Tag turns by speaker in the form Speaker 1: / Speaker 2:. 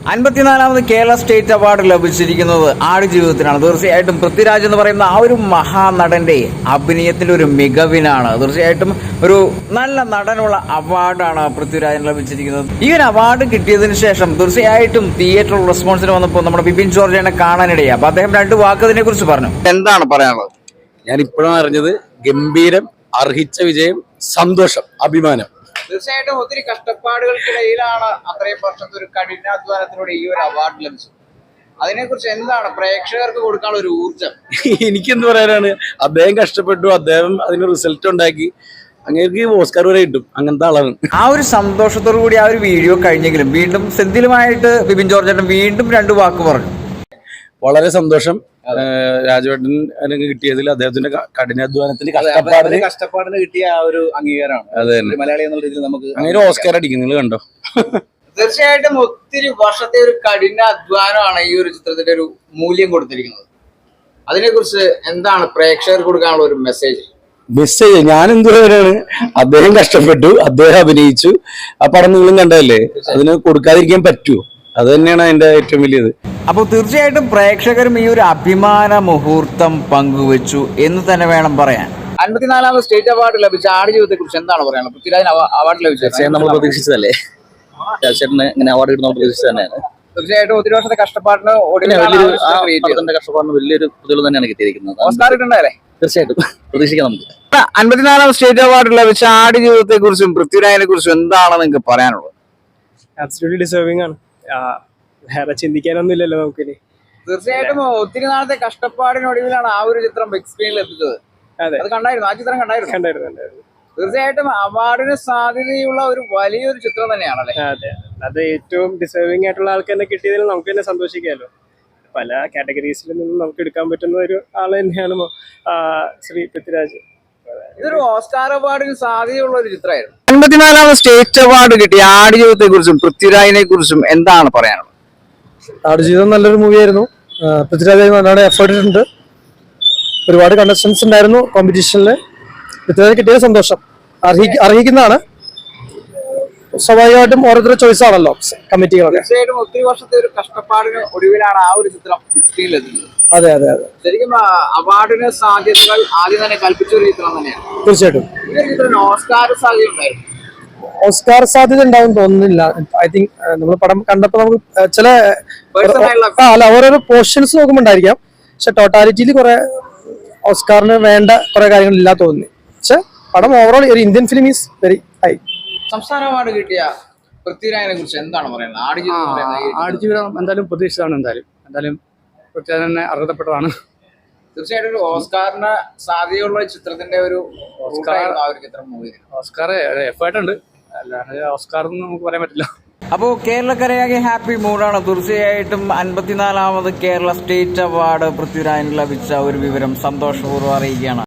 Speaker 1: 54ാമത് Kerala state award ലഭിച്ചിരിക്കുന്നത് ആടുജീവിതത്തിനാണ്. തീർച്ചയായിട്ടും പൃഥ്വിരാജ് എന്ന് പറയുന്ന ആ ഒരു മഹാനടന്റെ അഭിനയത്തിന്റെ ഒരു മികവിനാണ്. തീർച്ചയായിട്ടും ഒരു നല്ല നടനുള്ള അവാർഡാണ് പൃഥ്വിരാജിന് ലഭിച്ചിരിക്കുന്നത്. ഈ ഒരു അവാർഡ് കിട്ടിയതിനു ശേഷം തീർച്ചയായിട്ടും തിയേറ്റർ റെസ്പോൺസിന് വന്നപ്പോൾ നമ്മുടെ ബിപിൻ ജോർജിനെ കാണാനിടയായി. അപ്പൊ അദ്ദേഹം രണ്ട് വാക്കതിനെ കുറിച്ച് പറഞ്ഞു. എന്താണ് പറയാനുള്ളത്?
Speaker 2: ഞാൻ ഇപ്പോഴാണ് അറിഞ്ഞത്. ഗംഭീരം, അർഹിച്ച വിജയം, സന്തോഷം, അഭിമാനം.
Speaker 1: തീർച്ചയായിട്ടും ഒത്തിരി കഷ്ടപ്പാടുകൾക്കിടയിലാണ് അത്രയും വർഷത്തെ ഒരു കഠിനാധ്വാനത്തിലൂടെ ഈ ഒരു അവാർഡ് ലഭിച്ചത്. അതിനെക്കുറിച്ച് എന്താണ് പ്രേക്ഷകർക്ക് കൊടുക്കാനുള്ള ഒരു ഊർജം?
Speaker 2: എനിക്കെന്ത് പറയാനാണ്, അദ്ദേഹം കഷ്ടപ്പെട്ടു, അദ്ദേഹം അതിന് റിസൾട്ട് ഉണ്ടാക്കി, അങ്ങനെ ഓസ്കാർ വരെ കിട്ടും. അങ്ങനത്തെ ആളാണ്. ആ
Speaker 1: ഒരു സന്തോഷത്തോടു കൂടി ആ ഒരു വീഡിയോ കഴിഞ്ഞെങ്കിലും വീണ്ടും സെന്തിലുമായിട്ട് ബിപിൻ ജോർജ് വീണ്ടും രണ്ട് വാക്ക് പറഞ്ഞു.
Speaker 2: വളരെ സന്തോഷം. രാജവേട്ടൻ കിട്ടിയതിൽ അദ്ദേഹത്തിന്റെ കഠിനാധ്വാനത്തിന്റെ
Speaker 3: കഷ്ടപ്പാടിന് കിട്ടിയ ആ ഒരു അംഗീകാരമാണ്.
Speaker 2: അതെ,
Speaker 3: മലയാളി എന്നുള്ള രീതിയിൽ നമുക്ക്
Speaker 2: അങ്ങനെ ഓസ്കാർ അടിക്കും. നിങ്ങൾ കണ്ടോ?
Speaker 1: തീർച്ചയായിട്ടും ഒത്തിരി വർഷത്തെ ഒരു കഠിനാധ്വാനമാണ് ഈ ഒരു ചിത്രത്തിന്റെ ഒരു മൂല്യം കൊടുത്തിരിക്കുന്നത്. അതിനെക്കുറിച്ച് എന്താണ് പ്രേക്ഷകർക്ക് കൊടുക്കാനുള്ള ഒരു മെസ്സേജ്?
Speaker 2: ഞാൻ എന്തുവരാണ്, അദ്ദേഹം കഷ്ടപ്പെട്ടു, അദ്ദേഹം അഭിനയിച്ചു. ആ പടം നിങ്ങളും കണ്ടതല്ലേ, അതിന് കൊടുക്കാതിരിക്കാൻ പറ്റുമോ? അത് തന്നെയാണ് അതിന്റെ ഏറ്റവും വലിയത്.
Speaker 1: അപ്പോൾ തീർച്ചയായിട്ടും പ്രേക്ഷകരും ഈ ഒരു അഭിമാന മുഹൂർത്തം പങ്കുവെച്ചു എന്ന് തന്നെ വേണം പറയാൻ. 54ാമത് സ്റ്റേറ്റ് അവാർഡ് ലഭിച്ച ആടുജീവിതത്തെ കുറിച്ച് എന്താണ് പറയാനുള്ളത്? പൃഥ്വിരാജിന് അവാർഡ് ലഭിച്ചത്
Speaker 3: നമ്മൾ പ്രതീക്ഷിച്ചതല്ലേ? രാജേട്ടന് ഇങ്ങനെ അവാർഡ് കിട്ടുന്ന പ്രതീക്ഷിച്ചത് തന്നെയാണ്.
Speaker 1: തീർച്ചയായിട്ടും ഒത്തിരി വർഷത്തെ കഷ്ടപ്പാടിന്
Speaker 3: കഷ്ടപ്പാടിന് വലിയൊരു പ്രതിഫലം തന്നെയാണ് കിട്ടിയിരിക്കുന്നത്.
Speaker 1: ഓസ്കാർ കിട്ടണ്ടല്ലേ?
Speaker 3: തീർച്ചയായിട്ടും പ്രതീക്ഷിക്കാം നമുക്ക്.
Speaker 1: 54ാമത് സ്റ്റേറ്റ് അവാർഡ് ലഭിച്ച ആടുജീവിതത്തെ കുറിച്ചും പൃഥ്വിരാജിനെ കുറിച്ചും എന്താണ് നിങ്ങൾക്ക് പറയാനുള്ളത്?
Speaker 4: ആബ്സല്യൂട്ട്ലി ഡിസേർവിംഗ് ആണ്. വേറെ ചിന്തിക്കാനൊന്നും ഇല്ലല്ലോ നമുക്കിനി.
Speaker 1: തീർച്ചയായിട്ടും ഒത്തിരി നാളത്തെ കഷ്ടപ്പാടിനൊടുവിലാണ് ആ ഒരു ചിത്രം ബിഗ് സ്ക്രീനിൽ എത്തിച്ചത്.
Speaker 4: അതെ,
Speaker 1: അത് കണ്ടായിരുന്നു? ആ ചിത്രം കണ്ടായിരുന്നു? തീർച്ചയായിട്ടും അവാർഡിന് സാധ്യതയുള്ള ഒരു വലിയൊരു ചിത്രം തന്നെയാണല്ലേ?
Speaker 4: അതെ, അത് ഏറ്റവും ഡിസേർവിംഗ് ആയിട്ടുള്ള ആൾക്ക് തന്നെ കിട്ടിയതിൽ നമുക്ക് തന്നെ സന്തോഷിക്കാമല്ലോ. പല കാറ്റഗറീസിൽ നിന്നും നമുക്ക് എടുക്കാൻ പറ്റുന്ന ഒരു ആൾ തന്നെയാണ് ശ്രീ പൃഥ്വിരാജ്.
Speaker 1: ഇതൊരു ഓസ്കാർ അവാർഡിന് സാധ്യതയുള്ള ഒരു ചിത്രമായിരുന്നു. 54ാമത് സ്റ്റേറ്റ് അവാർഡ് കിട്ടിയ ആടുജീവിതത്തെ കുറിച്ചും പൃഥ്വിരാജിനെ കുറിച്ചും എന്താണ് പറയാനുള്ളത്?
Speaker 5: ആടുജീവിതം നല്ലൊരു മൂവിയായിരുന്നു. പൃഥ്വിരാജ് നല്ലോണം എഫേർട്ട് ഇട്ടുണ്ട്. ഒരുപാട് കണ്ടസ്റ്റൻസ് ഉണ്ടായിരുന്നു കോമ്പറ്റീഷനിൽ. പൃഥ്വിരാജ് കിട്ടിയത് സന്തോഷം, അർഹിക്കുന്നതാണ്. സ്വാഭാവികമായിട്ടും ഓരോരുത്തരുടെ ചോയ്സ് ആണല്ലോ കമ്മിറ്റികളൊക്കെ.
Speaker 1: തീർച്ചയായിട്ടും ഒത്തിരി വർഷത്തെ ഒരു കഷ്ടപ്പാടിന് ഒടുവിലാണ് ആ ഒരു ചിത്രം സ്ക്രീനിൽ എത്തുന്നത്.
Speaker 5: അതെ അതെ അതെ,
Speaker 1: ശരിക്കും അവാർഡിന് സാധ്യതകൾ ആദ്യം തന്നെ കൽപ്പിച്ച ഒരു ചിത്രം തന്നെയാണ്.
Speaker 5: തീർച്ചയായിട്ടും
Speaker 1: ഓസ്കാർ സാധ്യത ഉണ്ടായിരുന്നു.
Speaker 5: ഓസ്കാർ സാധ്യത ഉണ്ടാവും തോന്നുന്നില്ല. ഐ തിങ്ക് നമ്മൾ പടം കണ്ടപ്പോ നമുക്ക് ചില ഓരോരോ പോർഷൻസ് നോക്കുമ്പോണ്ടായിരിക്കാം. പക്ഷെ ടോട്ടാലിറ്റിയിൽ കുറെ ഓസ്കാറിന് വേണ്ട കുറെ കാര്യങ്ങൾ ഇല്ല തോന്നി. പക്ഷെ പടം ഓവറോൾ ഒരു Indian film is very high.
Speaker 1: സംസ്ഥാന അവാർഡ് കിട്ടിയ പൃഥ്വിരാജിനെ കുറിച്ച് എന്താണ് പറയുന്നത്?
Speaker 6: ആടുജീവിതം എന്തായാലും പ്രതീക്ഷിച്ചതാണ്. എന്തായാലും പൃഥ്വിരാജ് തന്നെ അർഹതപ്പെട്ടതാണ്.
Speaker 1: തീർച്ചയായിട്ടും ഒരു ഓസ്കാറിന് സാധ്യതയുള്ള ചിത്രത്തിന്റെ ഒരു
Speaker 6: ഓസ്കാർ എഫേർട്ട് ഉണ്ട്, അല്ലാതെ ഓസ്കാർ നമുക്ക് പറയാൻ പറ്റില്ല.
Speaker 1: അപ്പോൾ കേരളക്കരയാകെ ഹാപ്പി മൂഡാണ്. തീർച്ചയായിട്ടും 54ാമത് കേരള സ്റ്റേറ്റ് അവാർഡ് പൃഥ്വിരാജിന് ലഭിച്ച ഒരു വിവരം സന്തോഷപൂർവ്വം അറിയിക്കുകയാണ്.